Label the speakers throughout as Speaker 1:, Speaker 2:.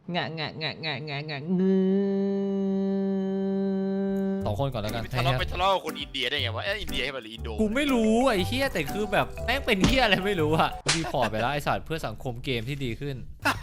Speaker 1: งะงะงะงะงะงะงือ2 คนก่อนแล้วกัน
Speaker 2: ทะเลาะไปทะเลาะกับคนอินเดียได้ไงวะอินเดียให้มาหรืออินโด
Speaker 1: กูไม่รู้ไอ้เฮียแต่คือแบบแม่งเป็นเฮียอะไรไม่รู้อะดีพอร์ตไปแล้วไอ้สัตว์เพื่อสังคมเกมที่ดีขึ้น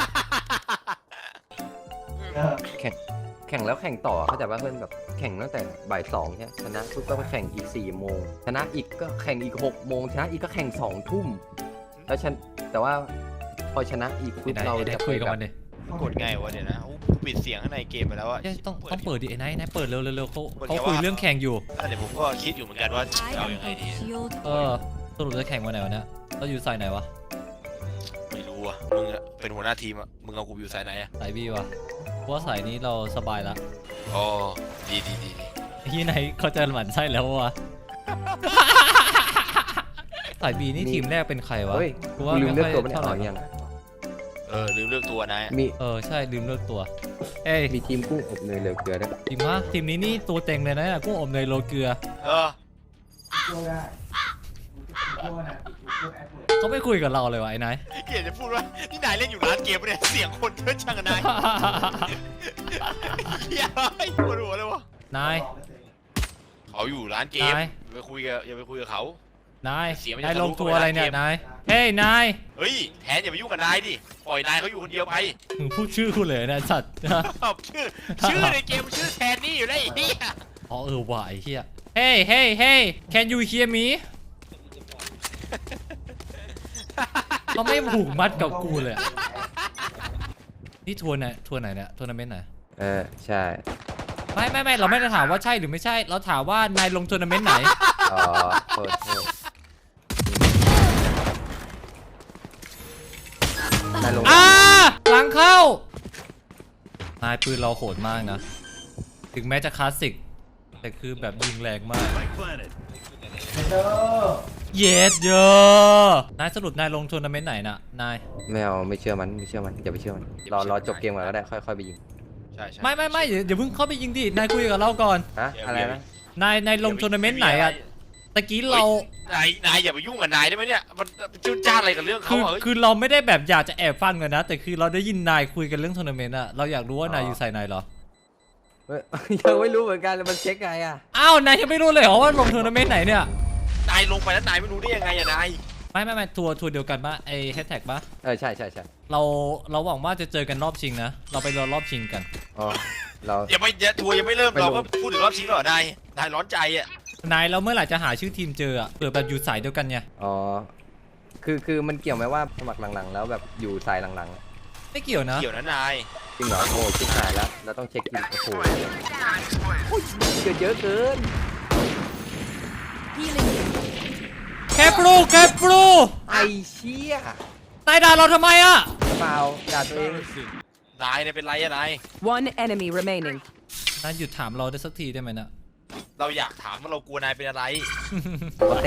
Speaker 3: แข่งแล้วแข่งต่อเข้าใจว่าเพื่อนแบบแข่งตั้งแต่บ่าย2ใช่ชนะปุ๊บก็ไปแข่งอีก4 โมงชนะอีกก็แข่งอีก6 โมงชนะอีกก็แข่ง2 ทุ่มแล้วแต่ว่าพอชนะอีกปุ๊บเรา
Speaker 1: ได้
Speaker 3: จะ
Speaker 1: คุ
Speaker 3: ไป
Speaker 1: ยกับ
Speaker 3: แบบ
Speaker 1: มันดิ
Speaker 2: กดไงวะเดี๋ยวนะปิดเสียงข้างในเกมไปแล้วอะ
Speaker 1: ต้องเปิดดิไอ้นายเปิดเร็วเขาคุยเรื่องแข่งอยู่
Speaker 2: เดี๋ยวผมก็คิดอยู่เหมือนกันว่าเอายังไงดี
Speaker 1: สรุปจะแข่งวันไหนวะเนี่ยเราอยู่สายไหนวะ
Speaker 2: ไม่รู้อะมึงเป็นหัวหน้าทีมอะมึงเอากูอยู่สายไหนอะ
Speaker 1: สายบีวะเพราะว่าสายนี้เราสบายละ
Speaker 2: อ๋อดี
Speaker 1: ที่ไหนเขาจะหมั่นไส้แล้ววะสายบีนี่ทีมแรกเป็นใครวะ
Speaker 3: เฮ้ย
Speaker 1: กู
Speaker 3: กู
Speaker 1: ว่า
Speaker 3: ลืม
Speaker 1: ไม่
Speaker 3: เลือก
Speaker 1: ค่อย
Speaker 3: ตัวไม่ได้
Speaker 1: เท่าไห
Speaker 3: อ๋
Speaker 1: ร่
Speaker 3: อยัง
Speaker 2: ลืมเลือกตัวนาย
Speaker 3: มี
Speaker 1: ใช่ลืมเลือกตัวเอ้ย
Speaker 3: มีทีมกุ้งอบเนยเหลือเกลือด้วย
Speaker 1: ทีมนี้นี่ตัวเต็งเลยนะกุ้งอบเนยโรยเกลือเขาไม่คุยกับเราเลยวะไอ้นาย
Speaker 2: เกียรจะพูดว่านี่นายเล่นอยู่ร้านเกมปะเนี่ยเสียงคนเยอะจังอะนายเฮียปวดหัวเลยวะ
Speaker 1: นาย
Speaker 2: เขาอยู่ร้านเกมอย่าไปคุยกับเขา
Speaker 1: นาย
Speaker 2: เสียงมันจะ
Speaker 1: นายลง
Speaker 2: ทะลุ
Speaker 1: ตัวอะไรเนี่ย
Speaker 2: เข้าไปในเกม
Speaker 1: นายเฮ้ยนาย
Speaker 2: เฮ้ยแทนอย่าไปยุ่งกับนายดิปล่อยนายเขาอยู่คนเดียวไป
Speaker 1: มึงพูดชื่อกูเลยนะสัตว์
Speaker 2: ชื่อในเกมชื่อแทนนี่อยู่ได้ไอ้เหี้ย
Speaker 1: อ๋อว่ะไอ้เหี้ยเฮ้ยเฮ้ยเฮ้ย can you hear me เขาไม่ผูกมัดกับกูเลยอะนี่ทัวร์ไหนเนี่ยทัวร์นาเมนต์ไหน
Speaker 3: ใช่
Speaker 1: ไม่เราไม่ได้ถามว่าใช่หรือไม่ใช่เราถามว่านายลงทัวร์นาเมนต์ไหน
Speaker 3: อ๋อโทษนายลง
Speaker 1: หลังเข้านายปืนเราโหดมากนะถึงแม้จะคลาสสิกแต่คือแบบยิงแรงมากเยสเยอะนายสรุปนายลงทัวร์นาเมนต์ไหนน่ะนาย
Speaker 3: ไม่เชื่อมันอย่าไปเชื่อมันรอจบเกมก่อนก็ได้ค่อยไปยิง
Speaker 2: ใช่
Speaker 1: ไม่เดี๋ยวเพิ่งเข้าไปยิงดินายคุยกับเราก่อน
Speaker 3: อะไรนะ
Speaker 1: นายลงทัวร์นาเมนต์ไหนอะตะกี้เรา
Speaker 2: นายอย่าไปยุ่งกับนายได้ไหมเนี่ยมันจุนจ้านอะไรกับเรื่องเขา
Speaker 1: คือเราไม่ได้แบบอยากจะแอบฟังกันนะ แต่คือเราได้ยินนายคุยกันเรื่องทัวร์นาเมนต์อะเราอยากรู้ว่านายอยู่สายไหนเหรอ
Speaker 3: ยังไม่รู้เหมือนกันมันเช็คไงอ่ะ
Speaker 1: อ้าวนายยังไม่รู้เลยเหรอว่าลงทัวร์นาเมนต์ไหนเนี่ย
Speaker 2: นายลงไปแล้วนายไม่รู้ได้ยังไงอะนาย
Speaker 1: ไม่ทัวร์เดียวกันปะไอแฮชแท็กปะ
Speaker 3: ใช่
Speaker 1: เราหวังว่าจะเจอกันรอบชิงนะเราไปรอรอบชิงกัน
Speaker 3: อ๋อเรา
Speaker 2: ทัวร์ยังไม่เริ่มเราก็พูดถึงรอบชิงแล้วเหรอนายร้อนใจอะ
Speaker 1: นายเราเมื่อไหร่จะหาชื่อทีมเจออะเผื่อแบบอยู่สายเดียวกันไง
Speaker 3: อ๋อคือมันเกี่ยวไหมว่าสมัครหลังๆแล้วแบบอยู่สายหลัง
Speaker 1: ไม่เกี่ยวนะ
Speaker 2: เกี่ยวนะนาย
Speaker 3: ๆจริงเหรอโอ้ชิบหายแล้วเราต้องเช็คทีมโอ้โหเกิดเยอะเกิน
Speaker 1: แคปรู
Speaker 3: ไอเชี่ย
Speaker 1: นายด่าเราทำไมอะ
Speaker 3: เปล่าด่าตัวเอง
Speaker 2: นายเนี่ยเป็นไรอะนาย
Speaker 4: One enemy remaining.
Speaker 1: นายหยุดถามเราได้สักทีได้ไหมนะ
Speaker 2: เราอยากถามว่าเรากลัวนายเป็นอะไร
Speaker 3: ปกติ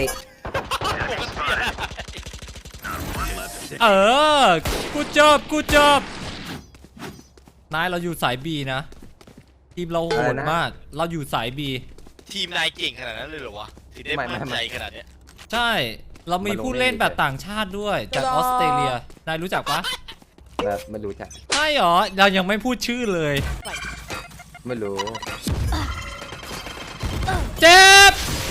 Speaker 1: กูจบนายเราอยู่สายบีนะทีมเราโหดมากเราอยู่สายบี
Speaker 2: ทีมนายเก่งขนาดนั้นเลยเหรอวะถึงได้มั่นใจขนาดเนี้ย
Speaker 1: ใช่เรามีผู้เล่นแบบต่างชาติด้วยจากออสเตรเลียนายรู้จักปะ
Speaker 3: ไม่รู้จัก
Speaker 1: ใช่หรอเรายังไม่พูดชื่อเลย
Speaker 3: ไม่รู้
Speaker 1: เจ็บ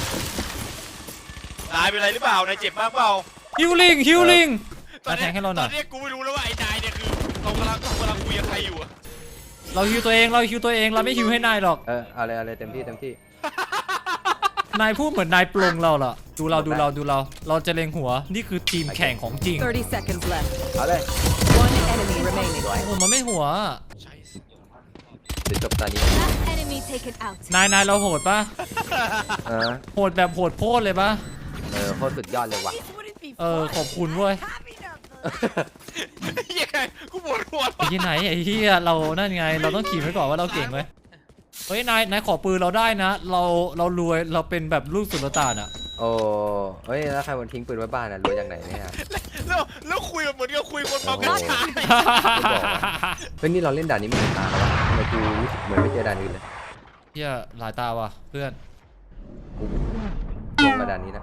Speaker 2: นายเป็นไรหรือเปล่านายเจ็บมากเปล่า
Speaker 1: ฮิวลิงมาแทงให้เราหน่อย
Speaker 2: ตอนนี้กูไม่รู้แล้วว่าไอ้นายเนี่ยคือเรากำลังคุยกับใครอยู่อะ
Speaker 1: เราฮิวตัวเองเราไม่ฮิวให้นายหรอก
Speaker 3: เอาเลยเต็มที่
Speaker 1: นายพูดเหมือนนายปลงเราล่ะดูเราเราจะเล็งหัวนี่คือทีมแข่งของจริง
Speaker 4: 30 seconds left.
Speaker 3: เอาเลย
Speaker 4: One enemy remaining.
Speaker 1: โอ้มันไม่หัว
Speaker 2: ใช่
Speaker 3: เดี๋ยวจบตอนนี้
Speaker 5: Last enemy taken out.
Speaker 1: นายเราโหดปะ
Speaker 3: เออ
Speaker 1: โหดแบบโหดโพดเลยปะ
Speaker 3: โคตรสุดยอดเลยว่ะ
Speaker 1: ขอบคุณเว้ย
Speaker 2: ยังไงกูปวดหัว
Speaker 1: ไอ้ที่ไหนไอ้เหี้ยเรานั่นไงเราต้องขี่ไว้ก่อนว่าเราเก่งไหมเฮ้ยนายขอปืนเราได้นะ เรารวยเราเป็นแบบลูกสุลต่านอะ
Speaker 3: โอ้เฮ้ยแล้วใครมันทิ้งปืนไว้บ้านอ่ะรวยจากไหนเนี่ย
Speaker 2: แล้วคุยเหมือนกับคุยคนเมากัญชา
Speaker 3: เฮ้ยนี่เราเล่นด่านนี้ไม่ถึงตาแล้ววะทำไมกูรู้สึกเหมือนไม่เจอด่านอื่นเลย
Speaker 1: เหี้ยหลายตาว่ะเพื่อน
Speaker 3: กูลงมาด่านนี้นะ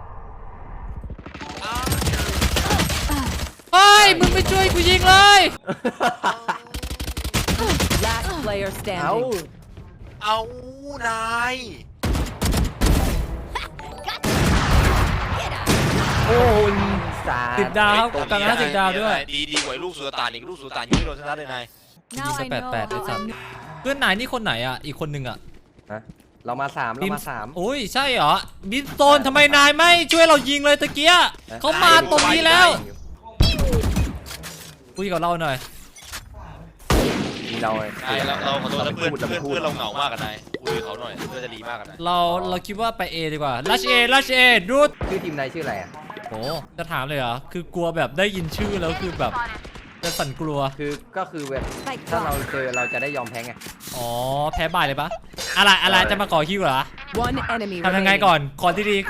Speaker 1: เฮ้ยมึงไม่ช่วยกูยิงเลย
Speaker 4: player
Speaker 3: เอ้า
Speaker 4: standing.
Speaker 2: เอานาย
Speaker 3: โอ้ยสา
Speaker 1: 10 ดาวครับกลางหน้า10 ดาวด้วย
Speaker 2: ดีกว่าลูกสุลต่านอีกลูกสุลต่านยังไม่โดนชนะเลยนาย
Speaker 1: ยิงไป8-8ไอ้สัตว์เพื่อนนายนี่คนไหนอ่ะอีกคนนึงอ่ะ
Speaker 3: ฮะเรามาสาม
Speaker 1: โอ้ยใช่เหรอบินโซนทำไมนายไม่ช่วยเรายิงเลยตะเกียเขามาตรงนี้แล้วคุยกับเราหน่อย
Speaker 3: มีเรา
Speaker 2: นายเราขอโทษนะเพื่อนเราเหงามากกับนายคุยกับเขาหน่อยเพื่อนจะดีมากกับนาย
Speaker 1: เราคิดว่าไป A ดีกว่าลัชเอดูด
Speaker 3: ชื่อทีมนายชื่ออะไรอ่ะ
Speaker 1: โอ้จะถามเลยเหรอคือกลัวแบบได้ยินชื่อแล้วคือแบบจะสั่นกลัว
Speaker 3: ก็คือแบบถ้าเราเจอเราจะได้ยอมแพ้ไง
Speaker 1: อ๋อแพ้บ่ายเลยปะอะไรจะมาก่อคิวเหรอ
Speaker 4: One enemy
Speaker 1: ทำยังไง
Speaker 4: remaining.
Speaker 1: ก่อนขอที่ดี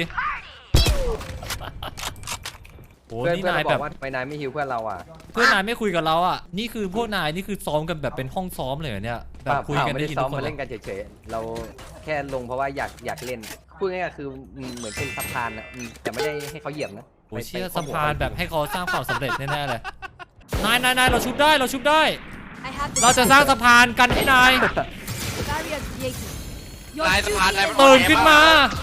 Speaker 1: โอ้
Speaker 3: เพื่อน
Speaker 1: นี่
Speaker 3: เพื่อน
Speaker 1: นาย
Speaker 3: เราบ
Speaker 1: แบ
Speaker 3: อบ กว่าไปนายไม่ฮิวเพื่อนเราอ่ะ
Speaker 1: เพื่อนนายไม่คุยกับเราอ่ะนี่คือพวกนายนี่คือซ้อมกันแบบเป็นห้องซ้อมเลยเหรอเนี่ยแบบคุยกัน
Speaker 3: ไม่
Speaker 1: ได้
Speaker 3: ได้
Speaker 1: ยิน
Speaker 3: ซ้อ
Speaker 1: ทุ
Speaker 3: ม
Speaker 1: กคน
Speaker 3: มา
Speaker 1: เหร
Speaker 3: เล่
Speaker 1: อน
Speaker 3: กันเฉยๆเราแค่ลงเพราะว่าอยากเล่นพูดง่ายๆคือเหมือนเป็นสะพานนะแต่ไม่ได้ให้เขาเหยียบนะ
Speaker 1: โอ้เชี่ยสะพานแบบให้เขาสร้างความสำเร็จแน่ๆเลยนายเราชุบได้เราจะสร้างสะพานกันให้นาย
Speaker 4: Barrier created.
Speaker 2: นายสะพานนาย
Speaker 1: ตื่นขึ้นมา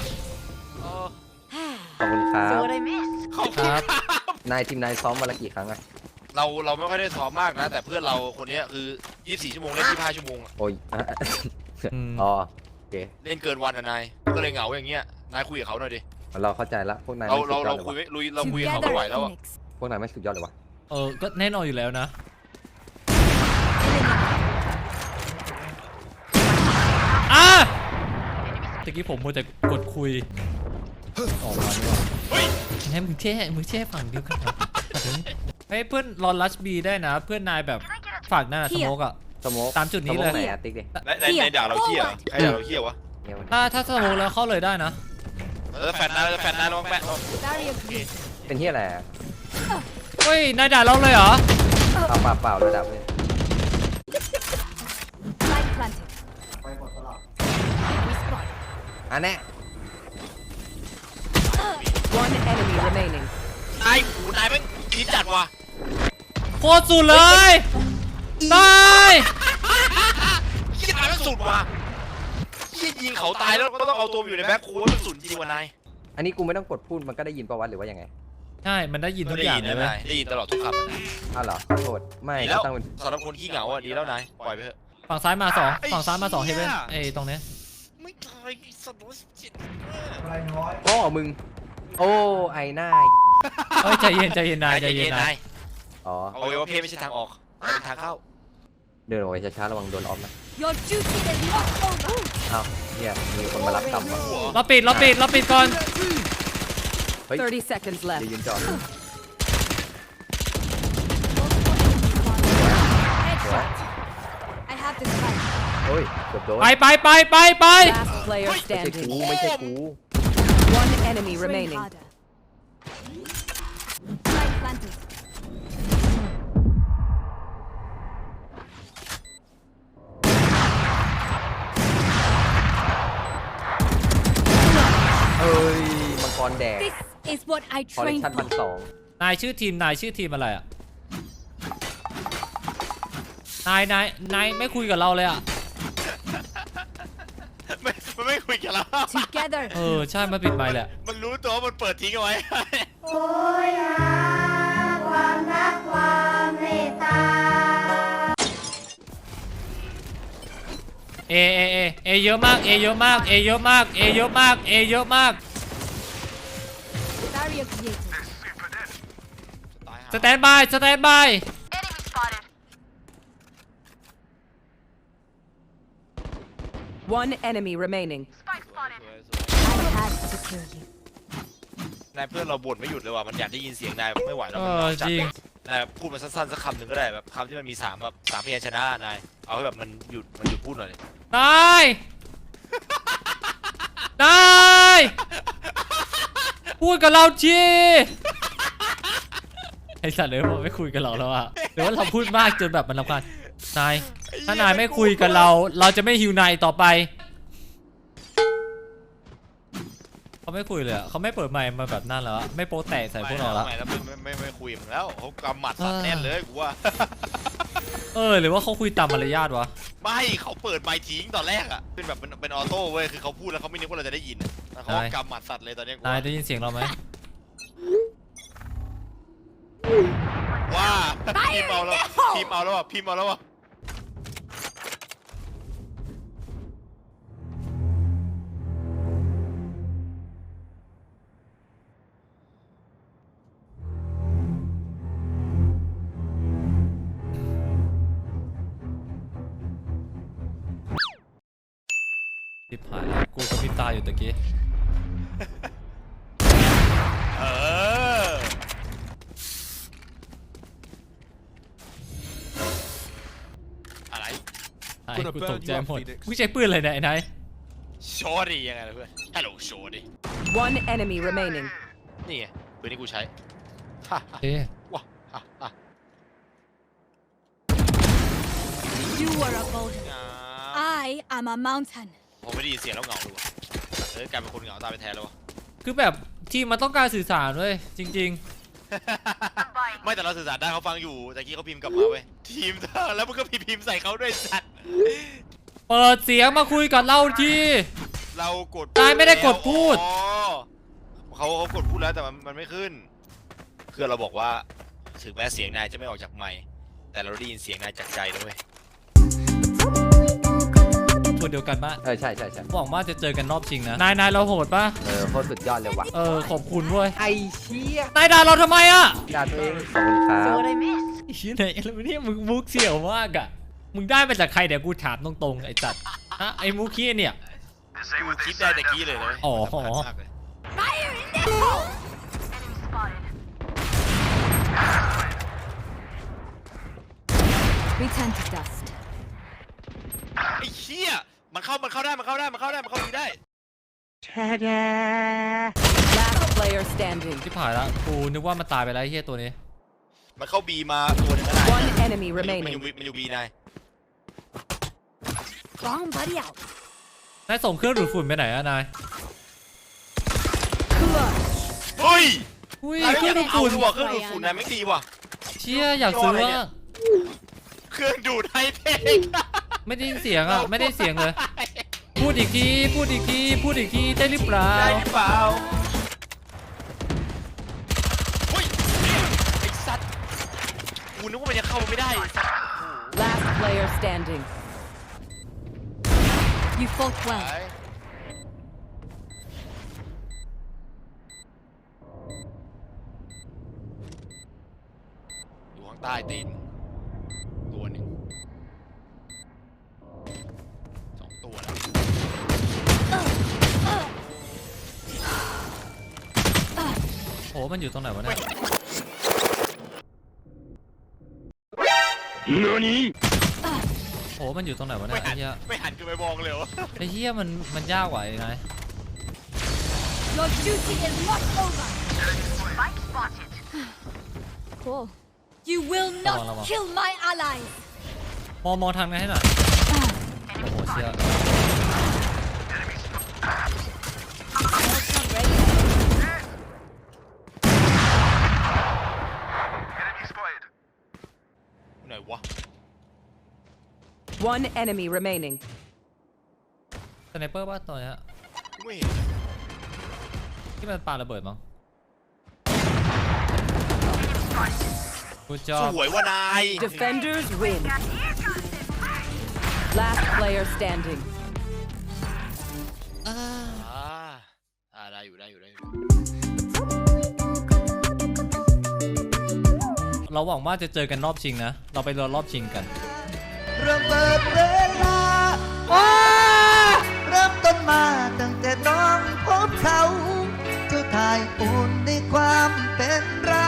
Speaker 3: ขอบคุณครับ
Speaker 4: So what I missed?
Speaker 2: ขอบคุณครับ
Speaker 3: นายทีมนายซ้อมวันละกี่ครั้งอะ
Speaker 2: เราไม่ค่อยได้ซ้อมมากนะแต่เพื่อนเราคนนี้คือ24ชั่วโมงเล่น25ชั่วโมง
Speaker 3: โอ้ย
Speaker 1: อืม
Speaker 3: อ๋อโอเค
Speaker 2: เล่นเกินวันอ่ะนายก็เลยเหงาอย่างเงี้ยนายคุยกับเขาหน่อยดิ
Speaker 3: เราเข้าใจละพวกนาย
Speaker 2: เรา
Speaker 3: ไม่สุดยอด
Speaker 2: เรา
Speaker 3: เลยวะ
Speaker 2: คุยเราคุยกับเขาไม่ไหวแล้วอะ
Speaker 3: พวกนายไม่สุดยอดเลยวะ
Speaker 1: ก็แน่นอนอยู่แล้วนะตะกี้ผมมัวแต่กดคุยออกมาดีกว่า
Speaker 2: เฮ้ย
Speaker 1: ให้มึงแช่ฝั่งเดียวกันเหรอเฮ้ยเพื่อนรอลัชบีได้นะ เพื่อนนายแบบฝากหน้าสโมกอะ
Speaker 3: สโมก
Speaker 1: ตามจุดนี้เลย
Speaker 3: สโมกไหนอะติ๊กดิ
Speaker 2: ในด่าเราเขี้ยวใครด่าเราเขี้ยววะ
Speaker 3: เนี่ยมัน
Speaker 1: ถ้าสโมกแล้วเข้าเลยได้นะ
Speaker 2: แฟนนายลองแฟน
Speaker 4: Barrier created.
Speaker 3: เป็นที่อะไรอะ
Speaker 1: เฮ้ยนายด่าเราเลยเหรอ
Speaker 3: เปล่าระดับเลย
Speaker 4: Light planted. We spot.
Speaker 3: อันแน่
Speaker 4: One enemy remaining.
Speaker 2: นายแม่งคิดจัดว่ะ
Speaker 1: โคตรสุดเลยนาย
Speaker 2: คิดนายแม่งสุดว่ะคิดยิงเขาตายแล้วก็ต้องเอาตัวอยู่ในแบ็คโค้ดมันสุดจริงว่ะนาย
Speaker 3: อันนี้กูไม่ต้องกดพูดมันก็ได้ยินประวัติหรือว่ายังไง
Speaker 1: ใช่มันได้ยินทุกอย่างเลยไหม
Speaker 2: ได้ยินตลอดทุกคำ
Speaker 3: อ้าวเหรอขอโทษไม่
Speaker 2: ดี
Speaker 3: ก็
Speaker 2: แล้ว
Speaker 3: ต้องเป็น
Speaker 2: สำหรับคนขี้เหงาอ่ะดีแล้วนายปล่อยไปเถอะ
Speaker 1: ฝั่งซ้ายมา2
Speaker 2: ไอ้
Speaker 1: ฝั่งซ้ายมา2
Speaker 2: เหี้
Speaker 1: เฮ
Speaker 2: ย
Speaker 1: เว่นตรงเนี้ย
Speaker 2: ไม่ตายสัตว์จิต
Speaker 3: พ่อมึง โอ้ไอ้หน้า
Speaker 1: เฮ้ยใจเย็นนายใจเย็นนาย
Speaker 3: อ๋อ
Speaker 2: เอาไว้ว่าเพศไม่ใช่ทางออกเป็นทางเข้า
Speaker 3: เดินออกไปช้าๆระวังโดนออฟนะ
Speaker 4: Your duty is not over.
Speaker 3: อ้าวเนี่ยมีคนมารับกรรมวะ
Speaker 1: เราปิดก่อน
Speaker 3: เฮ้ย
Speaker 4: 30 seconds
Speaker 3: เดี๋ยว
Speaker 4: left.
Speaker 3: ยืนจอด
Speaker 4: Headshot. I have the spike.
Speaker 3: โอ้ยเกือบโดน
Speaker 1: ไป
Speaker 4: Last player
Speaker 3: ไม่ใช่กู
Speaker 4: standing.
Speaker 3: ไม่ใช่กู
Speaker 4: One enemy remaining. Light planted.
Speaker 3: เอ้ยมังกรแดง
Speaker 4: This is what I
Speaker 3: คอลเลค
Speaker 4: trained
Speaker 3: ชั่น
Speaker 4: for.
Speaker 3: 1,200
Speaker 1: นายชื่อทีมอะไรอ่ะนายไม่คุยกับเราเลยอ่ะ
Speaker 2: มันไม่คุยกันแล้ว
Speaker 4: Together.
Speaker 1: ใช่มาปิดไมค์แหละ
Speaker 2: มันรู้ตัวมันเปิดทิ้งเอาไว้
Speaker 5: โอยหาความรักความเมตตา
Speaker 1: เอเยอะมาก
Speaker 4: Barrier created.
Speaker 1: สแตนบาย
Speaker 4: One enemy remaining. I had to kill you.
Speaker 2: นายเพื่อนเราบ่นไม่หยุดเลยว่ะมันอยากได้ยินเสียงนายไม่ไหวแล้วมัน
Speaker 1: จริง
Speaker 2: นายพูดมาสั้นๆสักคำหนึ่งก็ได้แบบคำที่มันมี3แบบ3พยัญชนะนายเอาให้แบบมันหยุดพูดหน่อยดิ
Speaker 1: นายพูดกับเราจีไอสัตว์เลยมันไม่คุยกับเราแล้วอะหรือว่าเราพูดมากจนแบบมันรำคาญนายถ้านายไม่คุยกับเราจะไม่ฮิวนายต่อไปเขาไม่คุยเลยอะเขาไม่เปิดไมค์มาแบบนั้นแล้วอะไม่โป๊ะแตกใส่พวกเราแล้ว
Speaker 2: ไม่คุยมึงแล้วเขากำหมัดสัตว์แน่นเลยกูว่า
Speaker 1: หรือว่าเขาคุยตามมารยาทวะ
Speaker 2: ไม่เขาเปิดไมค์ทิ้งตอนแรกอะเป็นแบบเป็นออโต้เว้ยคือเขาพูดแล้วเขาไม่นึกว่าเราจะได้ยินอะแล้วเขากำหมัดสัตว์เลยตอนนี้กู
Speaker 1: นายได้ยินเสียงเราไหม
Speaker 2: ว่าพิมพ์เอาแล้วพิมพ์เอาแล้วอ่ะพิมพ์เอาแล้วอ่ะ
Speaker 1: ทิพหายแล้วกูกับพริบตาอยู่ตะกี้
Speaker 2: เอออะไร
Speaker 1: ไอ้กูตกใจหมดมึงใช้ปืนอะไรเนี่ยไอ้นาย
Speaker 2: โชดียังไงล่ะเพื่อนฮัลโหลโชดี
Speaker 6: One enemy remaining.
Speaker 2: นี่ไงปืนที่กูใช้
Speaker 1: เอ๊ะ
Speaker 2: ว้าฮ่าฮ่า
Speaker 4: You are a boulder. I am a mountain.
Speaker 2: ผมไม่ได้ยินเสียงแล้วเหงาเลยว่ะกลายเป็นคนเหงาตายไปแทนแล้ววะ
Speaker 1: คือแบบทีมมันต้องการสื่อสารเว้ยจริง
Speaker 2: ไม่แต่เราสื่อสารได้เขาฟังอยู่แต่กี้เขาพิมพ์กลับมาเว้ยทีมเธอแล้วมึงก็พิมพ์ใส่เขาด้วยสัตว์
Speaker 1: ๆ เปิดเสียงมาคุยกับเราที
Speaker 2: เรากด
Speaker 1: นายไม่ได้กดพูด
Speaker 2: อ๋อเขากดพูดแล้วแต่มันไม่ขึ้นคือเราบอกว่าถึงแม้เสียงนายจะไม่ออกจากไมค์แต่เราได้ยินเสียงนายจากใจนะเว้ย
Speaker 1: คนเดียวกันปะ
Speaker 3: ใช่
Speaker 1: หวังว่าจะเจอกันรอบชิงนะนายเราโหดปะ
Speaker 3: โคตรสุดยอดเลยว่ะ
Speaker 1: ขอบคุณเว้ย
Speaker 3: ไอเชี่ย
Speaker 1: นายด่าเราทำไมอะ
Speaker 3: ด่าตัวเองขอบคุณครับ
Speaker 4: What I missed?
Speaker 1: ไอ้เหี้ยไหนแล้วเนี่ยมึงมุกเสี่ยวมากอะมึงได้มาจากใครเดี๋ยวกูถามตรงๆไอ้จัดฮะไอ้มุกขี้เนี่ย
Speaker 2: กูคิดได้แต่กี้เลยนะเว้ย
Speaker 1: อ๋อ
Speaker 2: มากเลย
Speaker 4: Fire in the hole! Enemy spotted. Return to dust.
Speaker 2: ไอ้เหี้ยมันเข้าได้มันเข้าดีได้
Speaker 6: Last player standing.
Speaker 1: ที่ผ่านแล้วกูนึกว่ามันตายไปแล้วไอ้เหี้ยตัวนี้
Speaker 2: มันเข้าบีมาตัวหนึงก็ได้
Speaker 6: One enemy
Speaker 2: มัน
Speaker 6: remaining.
Speaker 2: อยู่บีนาย
Speaker 4: Bomb buddy out.
Speaker 1: นายส่งเครื่องดูดฝุ่นไปไหนอะนาย
Speaker 2: เฮ้ย
Speaker 1: อุ้ย
Speaker 2: นาย
Speaker 1: เค
Speaker 2: ไม่
Speaker 1: รื่
Speaker 2: อ
Speaker 1: อง
Speaker 2: ยาก
Speaker 1: ดูด
Speaker 2: เอา
Speaker 1: ฝุ่น
Speaker 2: ดูว่ะเครื่องดูดฝุ่นนายไม่ดีว่ะ
Speaker 1: เชี่ยอยากซื้อว่า
Speaker 2: เครื่องดูดไฮเทค
Speaker 1: ไม่ได้ยินเสียงอะไม่ได้เสียงเลย พูดอีกทีได้หรือเปล่า
Speaker 2: ได้หรือเปล่าเฮ้ยไอ้สัตว์กูนึกว่ามันจะเข้าไม่ได้ไอ้สัตว์
Speaker 6: Last player standing.
Speaker 4: You fought well.
Speaker 2: อยู่ข้างใต้ตีนตัวหนึ่งสองตัวแล้ว
Speaker 1: โอ้มันอยู่ตรงไหนวะเนี่ยโอ้มันอยู่ตรงไหนวะเนี่ยไอ้เหี้ย
Speaker 2: ไม่หันขึ้นไปมองเลยวะ
Speaker 1: ไอ้เหี้ยมันยากกว่าไอ้นาย
Speaker 4: Your duty is not over. Spike spotted. Cool. You will not
Speaker 1: Lama.
Speaker 4: kill my allies.
Speaker 1: มองทางนั้นให้หน่อยโอ้โหเชี่ย
Speaker 4: Ultra ready.
Speaker 2: ไหนวะ
Speaker 6: One enemy remaining.
Speaker 1: สไนเปอร์ป่ะตัวเนี้ย
Speaker 2: กูไม่เห็น
Speaker 1: ที่มันปาระเบิดมั้งกูจอ
Speaker 2: ส
Speaker 1: บ
Speaker 2: วยว่ะนาย
Speaker 6: Defenders win. Last player standing.
Speaker 2: ได้อยู่
Speaker 1: เราหวังว่าจะเจอกันรอบชิงนะ เราไปรอรอบชิงกัน
Speaker 7: ระเบิดเวลาเริ่มต้นมาตั้งแต่น้องพบเขาเจ้าทายอุ่นในความเป็นเรา